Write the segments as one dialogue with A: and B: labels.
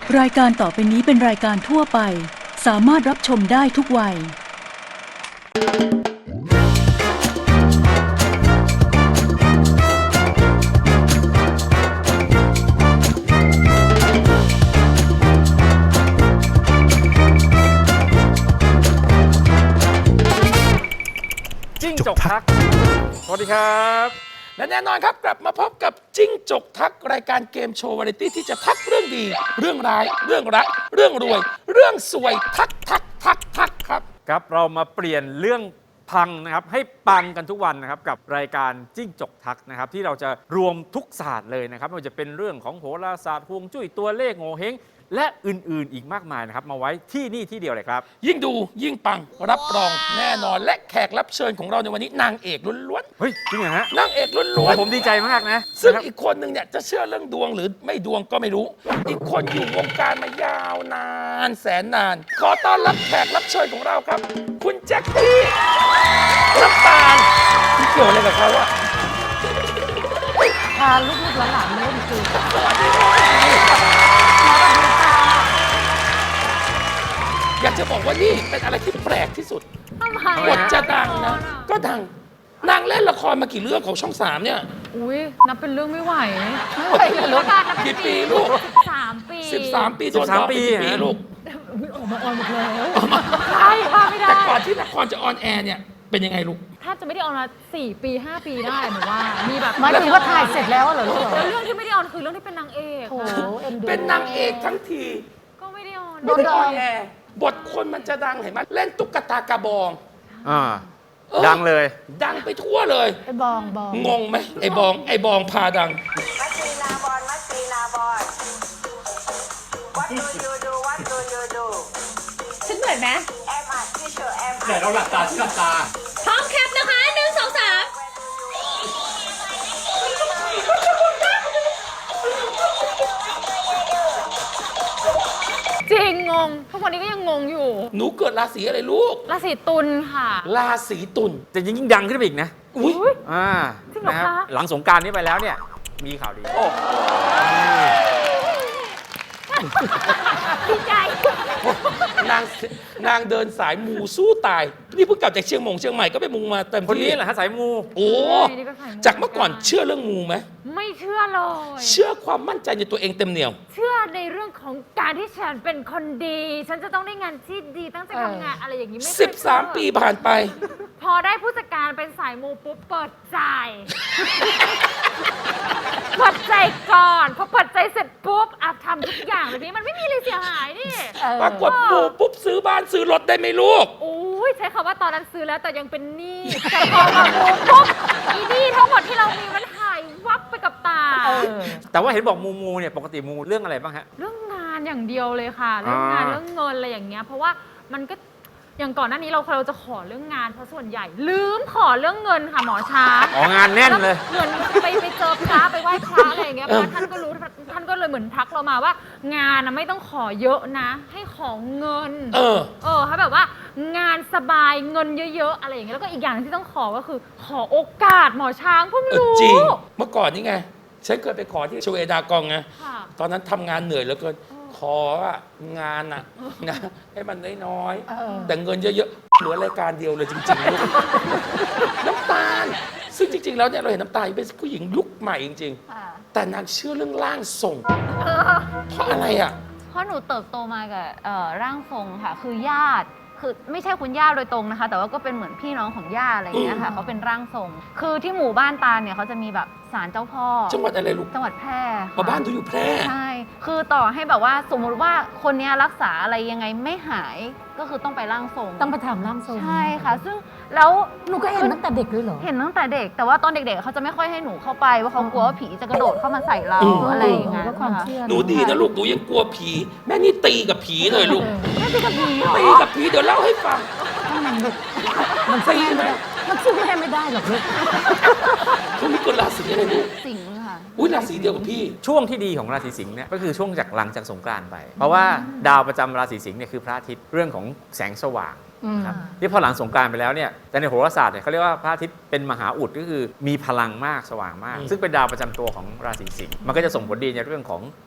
A: รายการต่อไปนี้เป็นรายการทั่วไปสามารถรับชมได้ทุกวัย
B: จิ้งจกทักสวัสดีครับและแน่นอนครับกลับมาพบกับจิ้งจกทักรายการเกมโชว์วาไรตี้ที่จะทักเรื่องดีเรื่องร้ายเรื่องรักเรื่องรวยเรื่องสวยทักครับ
C: ครับเรามาเปลี่ยนเรื่องพังนะครับให้ปังกันทุกวันนะครับกับรายการจิ้งจกทักนะครับที่เราจะรวมทุกศาสตร์เลยนะครับไม่ว่าจะเป็นเรื่องของโหราศาสตร์ฮวงจุ้ยตัวเลขโงเฮงและอื่นๆอีกมากมายนะครับมาไว้ที่นี่ที่เดียวเลยครับ
B: ยิ่งดูยิ่งปังรับรองแน่นอนและแขกรับเชิญของเราในวันนี้นางเอกล้วน
C: เฮ้ยจริงเหรอฮะ
B: ๆนางเอกล้วนๆ
C: ผมดีใจมากนะ
B: ซึ่ง
C: นะครับ
B: อีกคนหนึ่งเนี่ยจะเชื่อเรื่องดวงหรือไม่ดวงก็ไม่รู้ อีกคนอยู่วงการมายาวนานแสนนาน ขอต้อนรับแขกรับเชิญของเราครับ คุณแจ็คกี้น้ำตาลที่เกี่ยวอะไรกับเขาอะ
D: พาลูกๆหลานๆมาเล่นเกม
B: สวัสดีอยากจะบอกว่านี่เป็นอะไรที่แปลกที่สุด
D: ทำไม
B: บทจะดังนะ ก็ดังนางเล่นละครมากี่เรื่องของช่องสามเนี่ย
D: อุ้ยนับเป็นเรื่องไม่ไหว
B: ไม่ไหวเลยลูกกี่ปีลูก
D: 3 ปี
B: 13 ปีโดนต่อไปกี่ปีลูก
D: อุ๊ยออกมาออนหมดแล้วใช่ค่ะไม่ได้
B: แต่ก่อนที่ละครจะออนแอร์เนี่ยเป็นยังไงลูก
D: ถ้าจะไม่ได้ออนมา4 ปี 5 ปีได้หนูว่ามีแบบ
E: หมายถึงว่าถ่ายเสร็จแล้วเหรอลูก
D: แล้วเรื่องที่ไม่ได้ออนคือเรื่องที่เป็นนางเอก
E: โอ้โหเอ็นดู
B: เป็นนางเอกทั้งที
D: ก็ไม่ได้ออน
B: ไม่ได้ออนแอร์บทคนมันจะดังเห็นไหมเล่นตุ๊กตากระบอง
C: อ่า
B: เออ
C: ดังเลย
B: ดังไปทั่วเลย
E: ไอ้บองบอง
B: งงไหมไอ้บองพาดัง
F: มัสซีนาบอลมัสซีนาบอล What do you do What do you do
G: ฉันเหมือนไหม
F: Am I teacher Am I
C: แต่เราหลับตาที่หลับตา
G: พร้อมแคปนะคะ1 2 3
D: จริงงงทุกวันนี้ก็ยังงงอยู่
B: หนูเกิดราศีอะไรลูก
D: ราศีตุลค่ะ
B: ราศีตุล
C: จะยิ่งดังขึ้นไปอีกนะ
B: อุ้ย
D: อุ๊ย
C: อ่า
D: จริงเหรอ
C: นะครับ
D: คะ
C: หลังสงกรารนี้ไปแล้วเนี่ยมีข่าวดี
B: โอ้
D: ดีใจ
B: นางเดินสายมูสู้ตาย นี่เพิ่งกลับจากเชียงใหม่ก็ไปมูมาเต็ม
C: คน
B: ที่
C: นี้แหละฮะสายมู
B: โอ้
D: นี่ก็สายมู
B: จากเมื่อก่อนเชื่อเรื่องมูไหม
D: ไม่เชื่อเลย
B: เชื่อความมั่นใจในตัวเองเต็มเหนียว
D: เชื่อในเรื่องของการที่ฉันเป็นคนดี ฉันจะต้องได้งานที่ดีตั้งใจทำงานอะไรอย่างนี้ไม่เคยเชื่อ
B: 13 ปีผ่านไป
D: พอได้ผู้จัดการเป็นสายมูปุ๊บเปิดใจ เปิดใจก่อนพอเปิดใจเสร็จปุ๊บอ่ะทำทุกอย่างเลยพี่มันไม่มีอะไรเสียหายนี่
B: ปรากฏมูปุ๊บซื้อบ้านซื้อรถได้ไหมลูก
D: โอ้ยใช้คำว่าตอนนั้นซื้อแล้วแต่ยังเป็นหนี้แต่พอมามูปุ๊บอีหนี้ทั้งหมดที่เรามีมันหายวับไปกับตา
C: แต่ว่าเห็นบอกมูเนี่ยปกติมูเรื่องอะไรบ้างฮะ
D: เรื่องงานอย่างเดียวเลยค่ะ เรื่องงาน
C: อ่า
D: เรื่องเงินอะไรอย่างเงี้ยเพราะว่ามันก็อย่างก่อนหน้านี้เราจะขอเรื่องงานเพราะส่วนใหญ่ ลืมขอเรื่องเงินค่ะหมอช้าง
C: อ๋องานแน่นเลย
D: เหมือนไปเจอพระไปไหว้พระอะไรอย่างเงี้ยเพราะว่าท่านก็รู้ท่านก็เลยเหมือนทักเรามาว่า งานนะไม่ต้องขอเยอะนะ ให้ของเงิน
B: เออ
D: ให้แบบว่างานสบายเงินเยอะๆอะไรอย่างเงี้ยแล้วก็อีกอย่างที่ต้องขอก็คือ ขอโอกาสหมอช้างเพิ่งรู้
B: จริง เมื่อก่อนนี่ไง ฉันเคยไปขอที่ชเวดากองไง
D: ค่ะ
B: ตอนนั้นทำงานเหนื่อยเหลือเกิน ขออะงานอะนะให้มันน้อยๆแต่เงินเยอะๆ เหลือรายการเดียวเลยจริงๆลูก น้ำตาล ซึ่งจริง ๆ แล้วเนี่ยเราเห็นน้ำตาลเป็นผู้หญิงยุคใหม่จริงๆ แต่นางเชื่อเรื่องร่างทรง เพราะอะไรอะ
H: เพราะหนูเติบโตมากับร่างทรงค่ะ คือญาติคือไม่ใช่คุณย่าโดยตรงนะคะ แต่ว่าก็เป็นเหมือนพี่น้องของย่าอะไรอย่างเงี้ยค่ะเขาเป็นร่างทรง คือที่หมู่บ้านตาลเนี่ยเขาจะมีแบบศาลเจ้าพ่อ
B: จังหวัดอะไรลูก
H: จังหวัดแพร่
B: อ๋อ
H: ค่ะ
B: บ้านดูอยู่แพร่
H: ใช่ คือต่อให้แบบว่าสมมุติว่าคนเนี้ยรักษาอะไรยังไงไม่หายก็คือต้องไปร่างทรง
E: ต้องไปถามร่างทรง
H: ใช่ค่ะ ซึ่งแล้ว
E: หนูก็เห็นตั้งแต่เด็กด้วยเหรอ
H: เห็นตั้งแต่เด็ก แต่ว่าตอนเด็กๆเขาจะไม่ค่อยให้หนูเข้าไปเพราะเขากลัวว่าผีจะกระโดดเข้ามาใส่เรา
B: อืม
H: อะไรอย่างเงี้ย
E: ก็ความ
H: ค่ะ
E: เชื่อ
B: หนูดีนะลูก หนูยังกลัวผี แม่นี่ตีกับผีเลยลูก
H: ไม่ใช่กับผีเหรอ
B: ตีกับผีเดี๋ยวเล่าให้ฟัง
E: มันสู้แม่ไม่ได้มันสู้แม่ไม่ได้หรอกลูก
B: เขามีกฎราศีอะไรลูก
H: สิงห์ค่ะ
B: อุ้ยราศีเดียวกับพี่
C: ช่วงที่ดีของราศีสิงห์เนี่ยก็คือช่วงจากหลังจากสงกรานต์ไป เพราะว่าดาวประจำราศีสิงห์เนี่ยคือพระอาทิตย์เรื่องของแสงสว่างครับที่พอหลังสงกรานต์ไปแล้วเนี่ยแต่ในโหราศาสตร์เนี่ยเขาเรียกว่าพระอาทิตย์เป็นมหาอุดก็คือมีพลังมากสว่างมาก ซึ่งเป็นดาวประจำตัวของราศีสิงห์มันก็จะส่งผลดีในเรื่องของ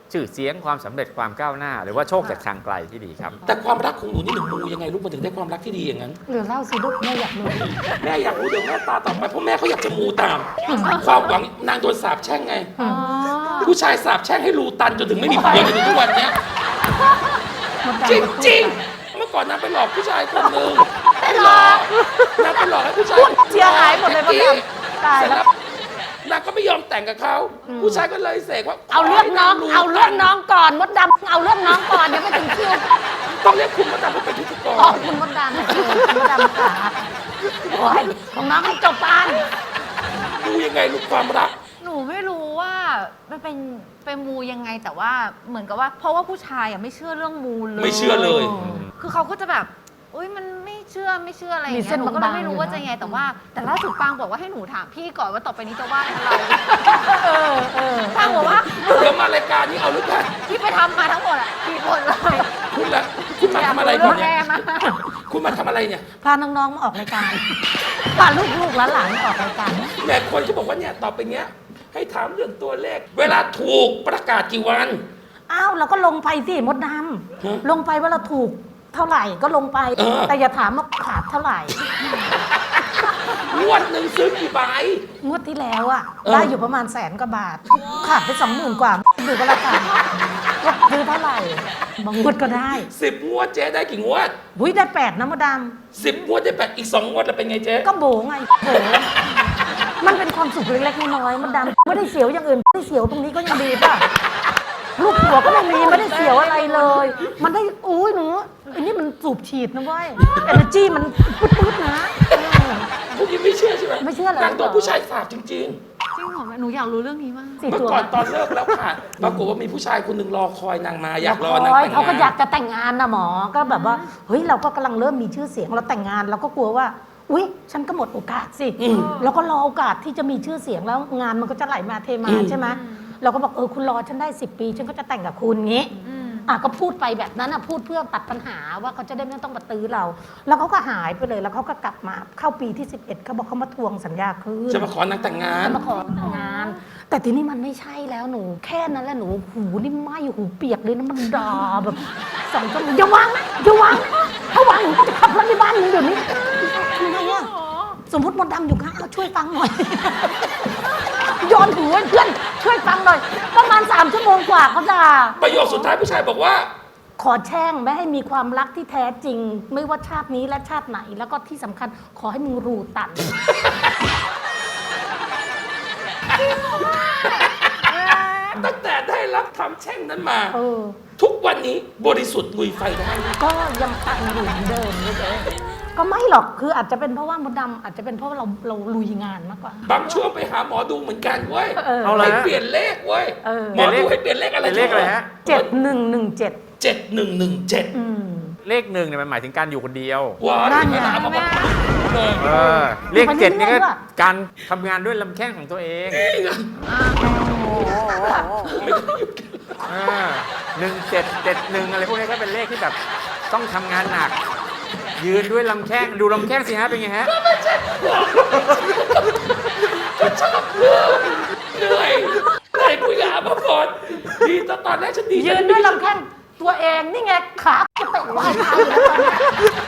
C: ชื่อเสียงความสำเร็จความก้าวหน้า หรือว่าโชคจากทางไกลที่ดีครับ
B: แต่ความรักของหนูนี่หนูมูยังไงลูกมันถึงได้ความรักที่ดีอย่างนั้น
E: เหลือเล่าสิลูกแม่อยากรู้
B: แม่อยากรู้เดี๋ยวแม่ตาต่อไปเพราะแม่เขาอยากจะมูตาม ความหวังนางโดนสาปแช่งไง ผู้ชายสาปแช่งให้รูตันจนถึงไม่มีผัวจนถึงทุกวันเนี้ยจริงๆ เมื่อก่อนนางไปหลอกผู้ชายคนหนึ่งไปหลอกนางไปหลอกให้ผู้ชาย
E: เสียหายหมดเลยมดดำตาย
B: เสร็จ
E: แล้
B: แล้ว วนางก็ไม่ยอมแต่งกับเขาผู้ชายก็เลยเสกว่า
E: เอาเรื่องน้อง
B: ขให้
E: เอาเรื่องน้อง
B: ตั
E: ก่อนมดดำเอาเรื่องน้องก่อนยังไม่ถึงคิว
B: ต้องเรียกคุณมาทำให้เป็นพิธีก
E: ขอบ
B: ร
E: คุณมดดำคุณมดดำค่ะโอ้ยของน้องให้จบปาน
B: ดูยังไงลูกความรัก
H: หนูไม่รู้ว่ามันเป็นมูยังไงแต่ว่าเหมือนกับว่า เพราะว่าผู้ชายอ่ะไม่เชื่อเรื่องมูเลย
B: ไม่เชื่อเลย
H: คือเขาก็จะแบบอุ้ยมันไม่เชื่ออะไรอย่าง
E: มี
H: เงี้
E: เส้
H: ย
E: น
H: หนูก็เลย
E: บางๆ
H: ไม่รู้
E: อยู่
H: ว่า
E: นะ
H: จะยังไงแต่ว่า แต่ล่าสุดปางบอกว่าให้หนูถามพี่ก่อนว่าต่อไปนี้จะว่าอะไร ปางบอกว่า
B: เดี๋ยวมารายการนี้เอาหรือเปล่า
H: ที่ไปทำมาทั้งหมดอ่ะพี่หมดเลย
B: คุณละคุณมาทำอะไร
H: ยาก
B: ก่อน
H: รู้
B: เนี่
H: แม่
B: ย
H: มาก
B: คุณมาทำอะไรเนี่ย
E: พาน้องๆมาออกรายการพาลูกๆหลานๆมาออกรายการ
B: แม่คนก็บอกว่าเนี่ยต่อไปเนี้ยให้ถามเรื่องตัวเลข เวลาถูกประกาศกี่วัน
E: อ้าวเราก็ลงไปสิมดด
B: ฮะ
E: ำลงไปว่าเราถูกเท่าไหร่ก็ลงไป แต่อย่าถามว่าขาดเท่าไหร่
B: งวดหนึ่งซื้อกี่ใบ
E: งวดที่แล้วอะ
B: เออ
E: ได้อยู่ประมาณ100,000 กว่าบาท ขาดไป20,000 กว่าดูก็แล้วกันว่าซื้อเท่าไหร่ บางงวดก็ได้
B: 10 งวดเจ๊ได้กี่งวด
E: หุ้ยได้8นะมดด
B: 10 งวดได้8อีก 2 งวดแล้วเป็นไงเจ๊
E: ำก็โบไงโบมันเป็นความสุขเล็กๆน้อยๆมดดำไม่ได้เสียวอย่างอื่นไม่ได้เสียวตรงนี้ก็ยังดีป่ะลูกหัวก็ไม่มีไม่ได้เสียวอะไรเลย มันได้อุ้ยหนูอันนี้มันสูบฉีดนะเว้ยเอเนอร์จีมันปึ๊ดๆนะเออ
B: พวกนี้ไม่เชื่อใช่ไหม
E: ไม่เชื่อเลย
B: นางโดนผู้ชายสาบจริง
H: จริงเหรอแม่หนูอยากรู้เรื่องนี้มาก
B: ๆ เมื่อก่อนตอนเลิกแล้วค่ะปรากฏว่ามีผู้ชายคนหนึ่งรอคอยนางมาอยากรอนางแต่ง
E: เขาก็
B: งา
E: อยาก
B: น
E: จะแต่งงานนะหมอ ก็แบบว่า เฮ้ย เราก็กำลังเริ่มมีชื่อเสียง เราแต่งงานเราก็กลัวว่า อุ๊ย ฉันก็หมดโอกาสสิ แล้วก็รอโอกาสที่จะมีชื่อเสียงแล้วงานมันก็จะไหลมาเทมาใช่ไหมเราก็บอกคุณรอฉันได้10 ปีฉันก็จะแต่งกับคุณงี้ก็พูดไปแบบนั้นพูดเพื่อตัดปัญหาว่าเขาจะได้ไม่ต้องมาตื้อเรา แล้วเขาก็หายไปเลย แล้วเขาก็กลับมาเข้าปีที่11เขาบอกเขามาทวงสัญญาคืน
B: จะมาขอนางแต่งงาน
E: มาขอแต่งงาน แต่ทีนี้มันไม่ใช่แล้วหนู แค่นั้นแหละหนูหูนี่ไหมหูเปียกเลยนะมันด่าแบบ2 ชั่วโมงอย่าวางนะอย่าวางนะถ้าวางหนูก็จะขับรถในบ้านหนูเดี๋ยวนี้ทำไงอะสมมติมดดำอยู่ข้างช่วยฟังหน่อยโยนหูให้เพื่อนช่วยฟังหน่อยประมาณ3 ชั่วโมงกว่าเขาด่า
B: ประโยคสุดท้ายผู้ชายบอกว่า
E: ขอแช่งไม่ให้มีความรักที่แท้จริง ไม่ว่าชาตินี้และชาติไหน แล้วก็ที่สำคัญขอให้มึงรูตัน
B: ตั้งแต่ได้รับคำแช่งนั้นมา
E: เออ
B: ทุกวันนี้บริสุทธิ์ลุยไฟได้
E: ก็ยังตันอยู่เหมือนเดิมเลยก็ไม่หรอกคืออาจจะเป็นเพราะว่ามดดำอาจจะเป็นเพราะว่าเราลุยงานมากกว่า
B: บางช่วงไปหาหมอดูเหมือนกันเว้ย
C: เอาเลย
B: ให้
C: ฮะ
B: เปลี่ยนเลขเว้ย
E: เออ
B: หมอดูให้เปลี่ยนเลขอะไร
C: เป็นเลขอะไรฮะ
E: 7117
B: 7117
C: เลขหนึ่งเนี่ยมันหมายถึงการอยู่คนเดียว
B: ว้าว
E: นั่นไง
B: เอามาบอกเลย
C: เลข 7นี่ก็
E: ไปเรื่อยๆด้วย
C: การทำงานด้วยลำแข้งของตัวเอง1771อะไรพวกนี้ก็เป็นเลขที่แบบต้องทำงานหนัก ยืนด้วยลำแข้งดูลำแข้งสิฮะเป็นไงฮะ
B: เหนื่อยคุยกับอาภพรดีตอนแรกฉันดี
E: ยืนด้วยลำแข้งตัวเองนี่ไงขาจะเตะว่ายตายอยู่แล้วตอนนี้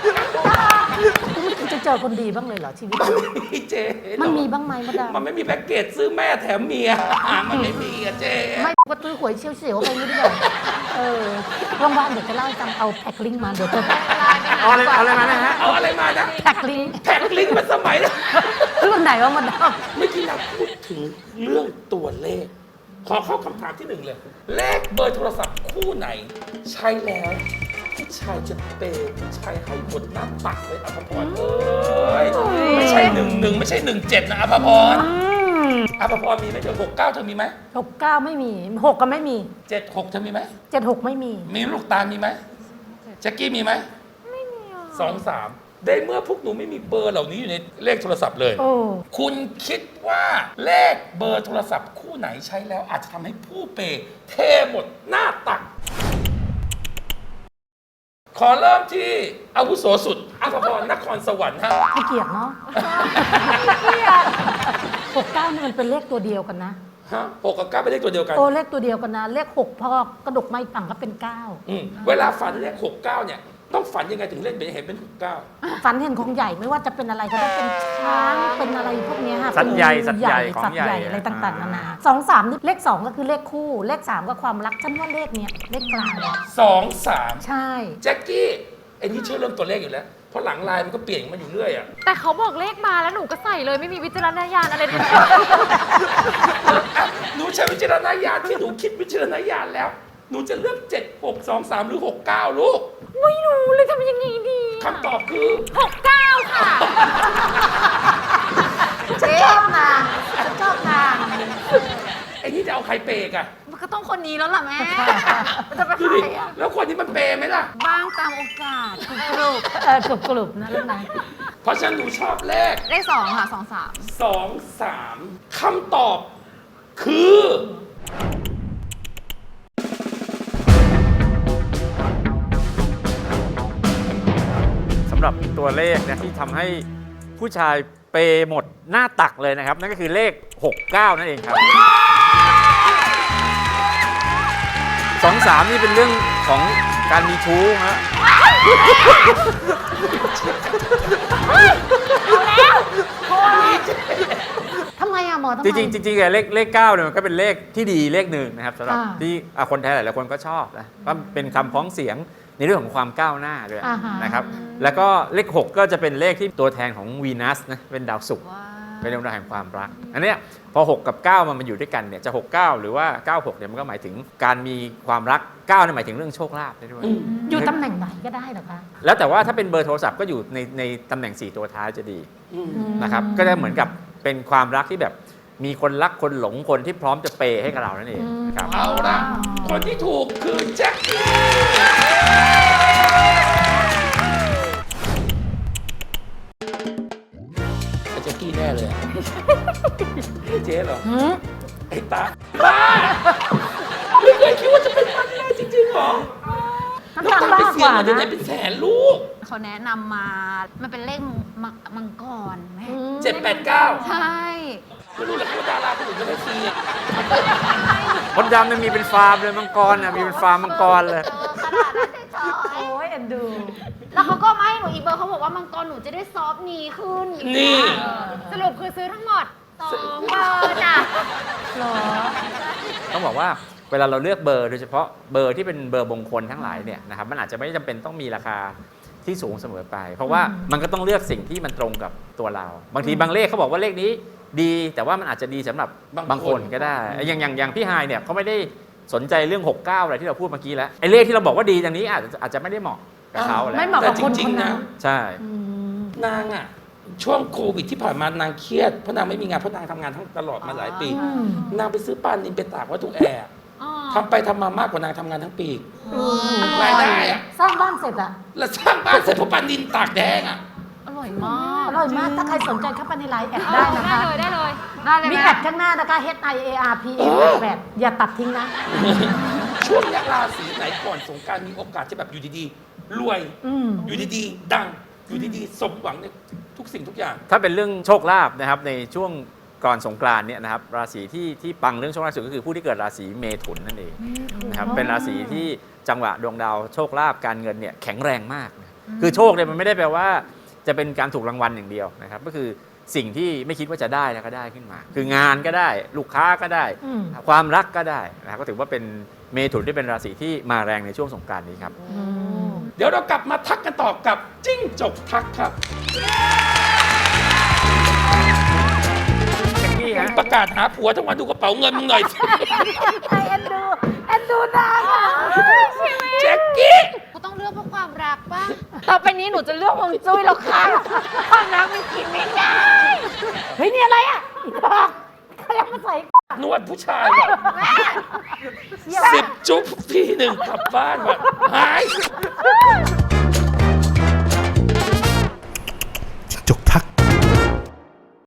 E: คุณจะเจอคนดีบ้างเลยเหรอชีวิต
B: มีเจ
E: มันมีบ้างไหมมดดำ
B: มันไม่มีแพ็กเกจซื้อแม่แถมเมียมันไม่มีอะเจ
E: ไม่ก็ตื้อหวยเฉียวๆไปไม่ได้หรอกว่างๆเดี๋ยวจะเล่าให้ฟังเอาแพ็คลิงก์มาเดี๋ยวจะ
C: เอาอะไรมานะฮะ
B: เอาอะไรมานะ
E: แพ็คลิงก์
B: แพ็กลิงก์มาสมัยนะ
E: รุ่นไหนวะมดด
B: เมื่อกี้เราพูดถึงเรื่องตัวเลข ขอเข้าคำถามที่ 1 เลย เลขเบอร์โทรศัพท์คู่ไหน ใช้แล้วผู้ชายจะเปย์ผู้ชายให้หมดหน้าตักเลยอภพรเอ้ยไม่ใช่11ไม่ใช่17นะอภพรอภพรมีไหมเธอ69เธอมีไหม
E: ำ69ไม่มี6ก็ไม่มี
B: 76เธอมีไหม
E: 76ไม่มี
B: มีลูกตาลมีไหมแจ็คกี้มีไหมไม่มี2-3ได้เมื่อพวกหนูไม่มีเบอร์เหล่านี้อยู่ในเลขโทรศัพท์เลย
E: โอ้
B: คุณคิดว่าเลขเบอร์โทรศัพท์คู่ไหนใช้แล้วอาจจะทำให้ผู้เปย์เทหมดหน้าตัก ขอเริ่มที่อาวุโสสุดอภพรนครสวรรค์ฮะ
E: ให้เกียรติเนาะ69นี่มันเป็นเลขตัวเดียวกันนะ
B: ฮะ6กับ9เป็นเลขตัวเดียวกัน
E: โอ้เลขตัวเดียวกันนะ เลข 6 พอกระดกไม่ฝั่งก็เป็น
B: เวลาฝันเลข6 9เนี่ยต้องฝันยังไงถึงเล่นเป็นเห็นเป็น6 9
E: 9 ฝันเห็นของใหญ่ไม่ว่าจะเป็นอะไรก็ได้เป็นช้างเป็นอะไรพวกเนี้ยค่ะ
C: สัตว์ใหญ่
E: เป็น
C: สัตว์ใหญ่ของ
E: สัตว์
C: ใหญ่
E: ใหญ่อะไรต่างๆนานา2 3นี่เลข 2 ก็คือเลขคู่ เลข 3 ก็ความรักฉันว่าเลขเนี้ยเลขกลางเนี่ย
B: 2 3
E: ใช่
B: แจ็คกี้ไอ้นี่เชื่อเรื่องตัวเลขอยู่แล้วเพราะหลังไลน์มันก็เปลี่ยนมาอยู่เรื่อยอ่ะ
D: แต่เขาบอกเลขมาแล้วหนูก็ใส่เลยไม่มีวิจารณญาณอะไรเลย
B: หนูใช้วิจารณญาณที่หนูคิดวิจารณญาณแล้ว หนูจะเลือก 7 6 2 3 หรือ 6 9 ลูก
D: ไม่รู้เลยทำยังไงดี
B: คำตอบคือ
D: 69 ค่ะ
E: ฉันชอบนางฉันชอบนาง
B: ไอ้นี่จะเอาใครเปย์กอะ
H: มันก็ต้องคนนี้แล้วล่ะแม่ มันจะไป
B: ดู
H: ใคร
B: ดิ
H: อ่ะ
B: แล้วคนนี้มันเปย์ไหมล่ะ
H: บ้างตามโอกาสกรุบ
E: กลุ่มนะลูกนะ
B: เพราะฉะนั้นหนูชอบเลข
H: เลข2ค่ะ2
B: 2 3คำตอบคือ
C: สำหรับตัวเลขเนี่ยที่ทำให้ผู้ชายเปย์หมดหน้าตักเลยนะครับ นั่นก็คือเลข 69 นั่นเองครับ 23 นี่เป็นเรื่องของการมีชู้ฮะ
E: ทำไมอะหมอทำไม
C: จริงๆเลข9เนี่ยมันก็เป็นเลขที่ดีเลขหนึ่งนะครับสำหรับ
E: อ่า
C: ที่คนไทยหลายๆคนก็ชอบนะก็เป็นคำพ้องเสียงในเรื่องของความก้าวหน้าด้วย
E: อ่าฮะ
C: นะครับแล้วก็เลข 6 ก็จะเป็นเลขที่ตัวแทนของวีนัสนะเป็นดาวศุกร์
H: ว้าว
C: เป็นดวงดาวแห่งความรัก อันเนี้ยพอ 6 กับ 9 มันอยู่ด้วยกันเนี่ยจะ 69 หรือว่า 96 เนี่ยมันก็หมายถึงการมีความรัก 9 เนี่ยหมายถึงเรื่องโชคลาภได้ด้วย
E: อยู่ตำแหน่งไหนก็ได้เหรอคะ
C: แล้วแต่ว่าถ้าเป็นเบอร์โทรศัพท์ก็อยู่ในตำแหน่ง 4 ตัวท้ายจะดีนะครับก็จะเหมือนกับเป็นความรักที่แบบมีคนรักคนหลงคนที่พร้อมจะเปย์ให้กับเรานั่นเองนะครับ
B: เอาละคนที่ถูกคือแจ็คกี้แจ็คกี้แน่เลยอะ เจ๊เหรอ ไอ้ตาบ้าไม่เคยคิดว่าจะเป็นมันแน่จริงๆเหรอ
E: น้ำ
B: แล้ว
E: ตาล
B: ตาไป
E: บ้าก
B: เสี
E: ก
B: ยง
E: ว่า
B: มาจากไหน
E: นะ
B: เป็นแสนลูก
H: เขาแนะนำมา มันเป็นเลขมังกรแม่
B: 789
H: ใช่
B: ไม่รู้แหละว่าดาราคนอื่นก็ได้ฟรีอะ
C: มดดำเนี่ยมีเป็นฟาร์มเลยมังกรน่ะมีเป็นฟาร์มมังกรเลย
H: ขนาดนั้นเลยจอย
E: โอ้ยเอ็นดู
H: แล้วเขาก็มาให้หนูอีกเบอร์เขาบอกว่ามังกรหนูจะได้ซอฟต์นีขึ้น
B: นี่
D: สรุปคือซื้อทั้งหมด
H: 2 เบอร์จ้ะ
E: หรอ
C: ต้องบอกว่าเวลาเราเลือกเบอร์โดยเฉพาะเบอร์ที่เป็นเบอร์มงคลทั้งหลายเนี่ยนะครับมันอาจจะไม่จำเป็นต้องมีราคาที่สูงเสมอไป เพราะว่ามันก็ต้องเลือกสิ่งที่มันตรงกับตัวเรา บางทีบางเลขเขาบอกว่าเลขนี้ดีแต่ว่ามันอาจจะดีสำหรับบางคนก็ได้อย่างพี่ไฮายเนี่ยเขาไม่ได้สนใจเรื่อง 69 อะไรที่เราพูดเมื่อกี้แล้วไอ้เลขที่เราบอกว่าดีอย่างนี้อาจจะไม่ได้เหมาะกับเขาแล้ว
E: ไม่เหมาะ
B: แต่
E: กับ
B: จ
E: คน
B: ริ
E: ค
B: ง
E: น
B: ๆ
E: นั้
B: นะ
E: น
C: ใช่
B: นางอะช่วงโควิดที่ผ่านมานางเครียดเพราะนางไม่มีงานเพราะนางทำงานทั้งตลอดมาหลายปี นางไปซื้อปลานินไปตากไว้ตรงแอร์ทำไปทำมามากกว่านางทำงานทั้งปีรายได้อะ
E: สร้างบ้านเสร็จอะ
B: แล้วสร้างบ้านเสร็จเพราะปลานินตากแดงอะ
H: อร่อยมาก
E: อร่อยมาก ถ้าใครสนใจเข้าไปในไลน์แอดได้นะคะ
D: ได้เลย
H: ได้เลย
E: มี
H: แม่
E: แอดข้างหน้านะคะ HIARPM 8อย่าตัดทิ้งนะ
B: ช่วงนี้ราศีไหนก่อนสงกรารมีโอกาสจะแบบอยู่ดีๆรวย อยู่ดีๆดังอยู่ดีๆสมหวังในทุกสิ่งทุกอย่าง
C: ถ้าเป็นเรื่องโชคลาภนะครับในช่วงก่อนสงกรานต์เนี่ยนะครับราศีที่ปังเรื่องโชคลาภสุดก็คือผู้ที่เกิดราศีเมถุนนั่นเองนะครับเป็นราศีที่จังหวะดวงดาวโชคลาภการเงินเนี่ยแข็งแรงมากนะคือโชคเนี่ยมันไม่ได้แปลว่าจะเป็นการถูกรางวัลอย่างเดียวนะครับก็คือสิ่งที่ไม่คิดว่าจะได้แล้วก็ได้ขึ้นมา คืองานก็ได้ลูกค้าก็ได้ ความรักก็ได้นะครับก็ถือว่าเป็นเมถุนที่เป็นราศีที่มาแรงในช่วงสงกรานต์นี้ครับ
B: เดี๋ยวเรากลับมาทักกันต่อกับจิ้งจกทักครับ ประกาศหาผัวทั้งวันดูกระเป๋าเงินมึงหน่อยสิ
E: เอ็นดูนางอะ
B: แจ็คกี้
H: เขาต้องเลือกเพราะความรักป่ะ
D: ต่อไปนี้หนูจะเลือกฮวงจุ้ยแล้วค่ะความรักมันกินไม่ได้
E: เฮ้ย นี่อะไรอ่ะอีดอกเขายังมาใส่
B: นวดผู้ชายแบบ10 จุ๊บพี่หนึ่งกลับบ้านแบบหาย